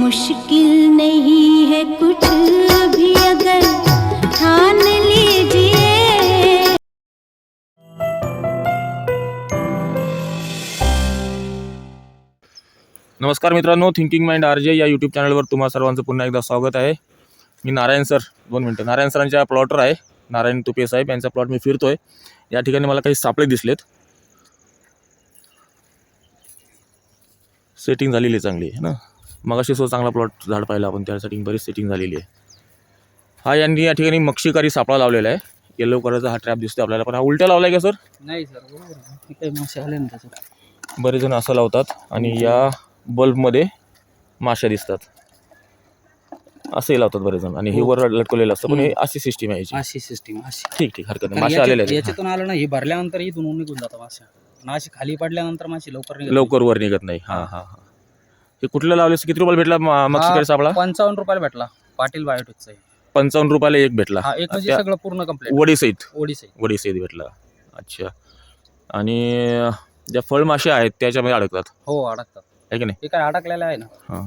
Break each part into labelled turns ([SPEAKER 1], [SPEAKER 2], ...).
[SPEAKER 1] मुश्किल नहीं है कुछ भी अगर ठान लीजिए।
[SPEAKER 2] नमस्कार मित्रांनो, थिंकिंग माइंड आरजे या यूट्यूब चॅनलवर तुम्हा सर्वांचं पुन्हा एकदा स्वागत आहे. मी नारायण सर, 2 मिनटं. नारायण सरांच्या प्लॉटर आहे, नारायण तुपे साहेब यांचा प्लॉट मी फिरतोय. या ठिकाणी मला काही सापळे दिसलेत. सेटिंग झालेली आहे चांगली आहे ना. मगाशी सो चांगला प्लॉट झाड पाहिला आपण, त्यासाठी बरीच सेटिंग झालेली आहे. हा यांनी या ठिकाणी मक्षिकारी सापळा लावलेला आहे. येलो कलरचा हा ट्रॅप दिसतो आपल्याला, पण हा उलट्या लावलाय का सर?
[SPEAKER 3] नाही सर, बरोबर काही मासे आले ना त्याच्यात.
[SPEAKER 2] बरेच जण असं लावतात आणि या बल्बमध्ये माश्या दिसतात, असंही लावतात बरेच जण. आणि हे वर लटकवलेलं असतं, पण हे अशी सिस्टीम आहे याची.
[SPEAKER 3] अशी सिस्टीम अशी.
[SPEAKER 2] ठीक ठीक, हरकत नाही. मासे आलेले आहेत.
[SPEAKER 3] याच्यातून आलं ना, हे भरल्यानंतर इथून निघून जातात मासे. आणि अशी खाली पडल्यानंतर मासे
[SPEAKER 2] लवकर वर निघत नाही. हा हा हा. हे कुठलं लावलेस? किती रुपयाला भेटला मक्षिकारी सापळा?
[SPEAKER 3] 55 रुपयाला भेटला. पाटील बायोटेकचा.
[SPEAKER 2] 55 रुपयाला एक भेटला.
[SPEAKER 3] हा, एक म्हणजे सगळं पूर्ण कंप्लीट
[SPEAKER 2] वडीसहित भेटला. अच्छा. आणि ज्या फळमाशा आहेत त्याच्यामध्ये अडकतात?
[SPEAKER 3] हो, अडकतात.
[SPEAKER 2] आहे की नाही?
[SPEAKER 3] हे काय अडकलेलं आहे ना.
[SPEAKER 2] हां,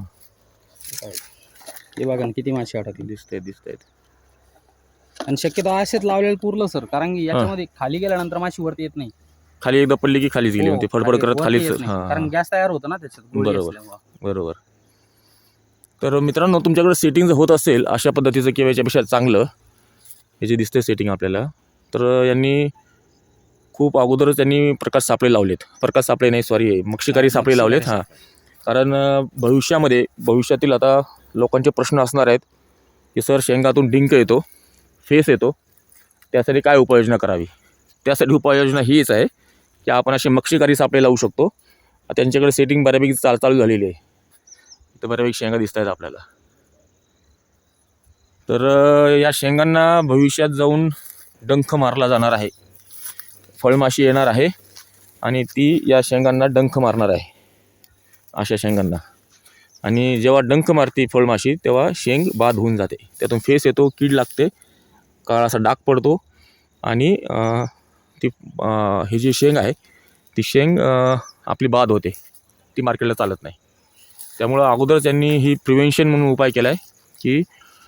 [SPEAKER 3] हे बघा ना किती मासे अडकले.
[SPEAKER 2] दिसतायत.
[SPEAKER 3] आणि शक्यतो असेच लावलेलं पुरलं सर, कारण की याच्यामध्ये खाली गेल्यानंतर माशी वरती येत नाही.
[SPEAKER 2] खाली एकदा पडली की खालीच गेली होती, फडफड करत खालीच.
[SPEAKER 3] कारण गॅस तयार होतं ना त्याच्यात.
[SPEAKER 2] बरोबर. तर मित्रांनो, तुमच्याकडे सेटिंग जर होत असेल अशा पद्धतीचं किंवा याच्यापेक्षा चांगलं, हे जे दिसतंय सेटिंग आपल्याला, तर यांनी खूप अगोदरच त्यांनी प्रकाश सापळे लावलेत. मक्षिकारी सापळे लावलेत. हां, कारण भविष्यातील आता लोकांचे प्रश्न असणार आहेत की सर, शेंगातून डिंक येतो, फेस येतो, त्यासाठी काय उपाययोजना करावी? त्यासाठी उपाययोजना हीच आहे की आपण असे मक्षिकारी सापळे लावू शकतो. त्यांच्याकडे सेटिंग बऱ्यापैकी चालू झालेली आहे. तर बऱ्यापैकी शेंगा दिसत आहेत आपल्याला. तर या शेंगांना भविष्यात जाऊन डंख मारला जाणार आहे. फळमाशी येणार आहे आणि ती या शेंगांना डंख मारणार आहे, अशा शेंगांना. आणि जेव्हा डंख मारती फळमाशी तेव्हा शेंग बाद होऊन जाते, त्यातून फेस येतो, कीड लागते, काळा असा डाग पडतो आणि ती ही जी शेंग आहे ती शेंग आपली बाद होते, ती मार्केटला चालत नाही. त्यामुळं अगोदरच त्यांनी ही प्रिव्हेन्शन म्हणून उपाय केला आहे की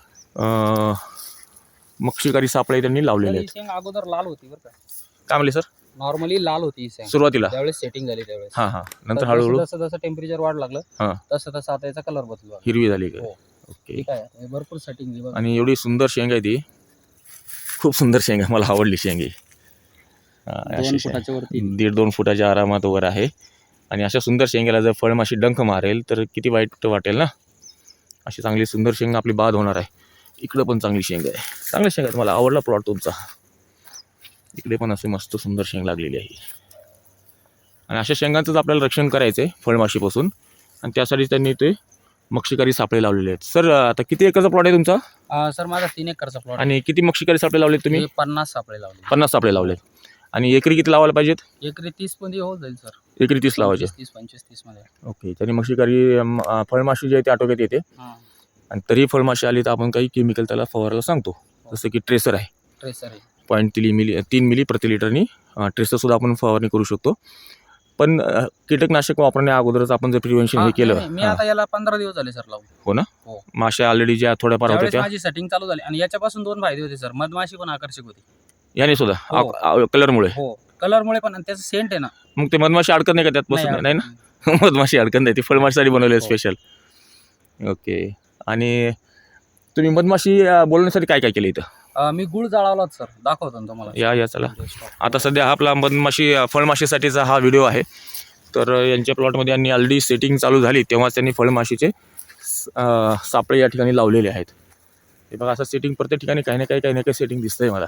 [SPEAKER 2] मक्षिकारी सापळे त्यांनी लावलेले आहेत.
[SPEAKER 3] शेंग अगोदर लाल होती बरं का.
[SPEAKER 2] काय म्हणले सर?
[SPEAKER 3] नॉर्मली लाल होती
[SPEAKER 2] सुरुवातीला,
[SPEAKER 3] त्यावेळेस सेटिंग झाली त्यावेळेस.
[SPEAKER 2] हां, नंतर हळूहळू
[SPEAKER 3] जसं टेम्परेचर वाढ लागलं तसं आता याचा कलर बदलला,
[SPEAKER 2] हिरवी झाली. ओके.
[SPEAKER 3] ठीक आहे, भरपूर सेटिंग.
[SPEAKER 2] आणि एवढी सुंदर शेंग आहे ती, खूप सुंदर शेंग आहे, मला आवडली शेंग ही.
[SPEAKER 3] 2 फुटाच्या वरती,
[SPEAKER 2] 1.5-2 फुटाच्या आरामात वर आहे. आणि अशा सुंदर शेंगेला जर फळमाशी डंख मारेल तर किती वाईट वाटेल ना. अशी चांगली सुंदर शेंग आपली बाद होणार आहे. इकडं पण चांगली शेंग आहे, चांगल्या शेंग आहेत. मला आवडला प्लॉट तुमचा. इकडे पण असे मस्त सुंदर शेंग लागलेली आहे. आणि अशा शेंगांचंच आपल्याला रक्षण करायचं आहे फळमाशीपासून, आणि त्यासाठी त्यांनी ते मक्षिकारी सापळे लावलेले आहेत. सर, आता किती एकरचा प्लॉट आहे तुमचा?
[SPEAKER 3] सर, माझा 3 एकरचा प्लॉट.
[SPEAKER 2] आणि किती मक्षिकारी सापळे लावलेत तुम्ही?
[SPEAKER 3] 50 सापळे लावले.
[SPEAKER 2] 50 सापळे लावलेत. आणि एकरी किती लावायला पाहिजेत?
[SPEAKER 3] एकरी 30 मध्ये होत जाईल सर.
[SPEAKER 2] एकरी 30 लावायचे.
[SPEAKER 3] 25-30 मध्ये.
[SPEAKER 2] ओके. त्याने मक्षिकारी फळमाशी जी आहे ती आटोक्यात येते. आणि तरी फळमाशी आली तर आपण काही केमिकल त्याला फवारायला सांगतो, जसं की ट्रेसर आहे. 0.3 मिली प्रति लिटरनी ट्रेसरसुद्धा आपण फवारणी करू शकतो. पण कीटकनाशक वापरण्या अगोदरच आपण जर प्रिव्हेन्शन हे केलं.
[SPEAKER 3] मी आता याला 15 दिवस झाले सर लावून.
[SPEAKER 2] हो ना. माश्या ऑलरेडी ज्या थोड्याफार होत्या त्या
[SPEAKER 3] माझी सेटिंग चालू झाली. आणि याच्यापासून 2 फायदे होते सर. मधमाशी पण आकर्षक होती
[SPEAKER 2] याने सुद्धा, कलरमुळे.
[SPEAKER 3] कलरमुळे पण, आणि त्याचं सेंट आहे ना.
[SPEAKER 2] मग ते मधमाशी अडकत नाही का त्यात? बसून नाही ना. मधमाशी अडकत नाही, ती फळमाशीसाठी बनवली आहे स्पेशल. ओके. आणि तुम्ही मधमाशी बोलवण्यासाठी काय काय केलं इथं?
[SPEAKER 3] मी गुळ जाळवला सर, दाखवतो ना तुम्हाला.
[SPEAKER 2] या चला. आता सध्या हा आपला फळमाशीसाठीचा हा व्हिडिओ आहे. तर यांच्या प्लॉटमध्ये यांनी ऑलरेडी सेटिंग चालू झाली तेव्हाच त्यांनी फळमाशीचे सापळे या ठिकाणी लावलेले आहेत. हे बघा, असं सेटिंग प्रत्येक ठिकाणी काही ना काही सेटिंग दिसतंय मला.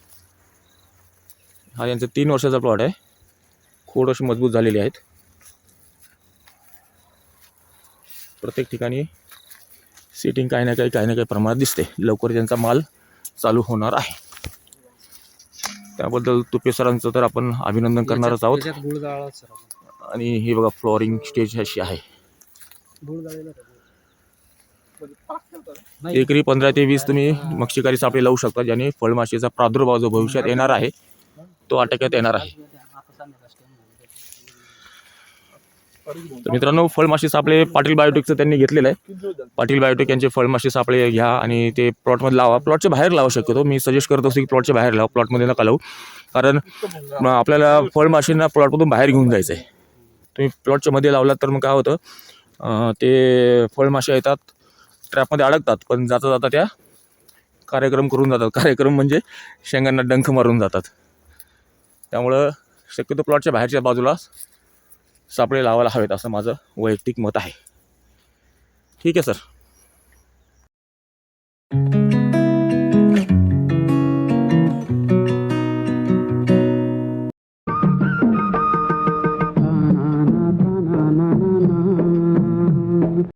[SPEAKER 2] हा यांचा 3 वर्षाचा प्लॉट आहे. खोड अशी मजबूत झालेली आहेत. प्रत्येक ठिकाणी सेटिंग काही ना काही प्रमाणात दिसते. लवकर त्यांचा माल चालू होणार आहे. त्याबद्दल तुपे सरांचं तर आपण अभिनंदन करणारच आहोत. आणि हे बघा, फ्लॉरिंग स्टेज अशी आहे. एकरी 15 ते 20 तुम्ही मक्षिकारी सापळे लावू शकता, ज्याने फळमाशीचा प्रादुर्भाव जो भविष्यात येणार आहे तो आटोक्यात येणार आहे. तर मित्रांनो, फळमाशी सापळे पाटील बायोटेकचं त्यांनी घेतलेलं आहे. पाटील बायोटेक यांचे फळमाशी सापळे घ्या आणि ते प्लॉटमध्ये लावा. प्लॉटच्या बाहेर लावू शक्यतो. मी सजेस्ट करत असतो की प्लॉटच्या बाहेर लावा, प्लॉटमध्ये नका लावू. कारण आपल्याला फळमाशींना प्लॉटमधून बाहेर घेऊन जायचं आहे. तुम्ही प्लॉटच्या मध्ये लावलात तर मग काय होतं, ते फळमाशा येतात, ट्रॅपमध्ये अडकतात, पण जाता जाता त्या कार्यक्रम करून जातात. कार्यक्रम म्हणजे शेंगांना डंख मारून जातात. त्यामुळं शक्यतो प्लॉटच्या बाहेरच्या बाजूला सापळे लावायला हवेत असं माझं वैयक्तिक मत आहे. ठीक आहे सर.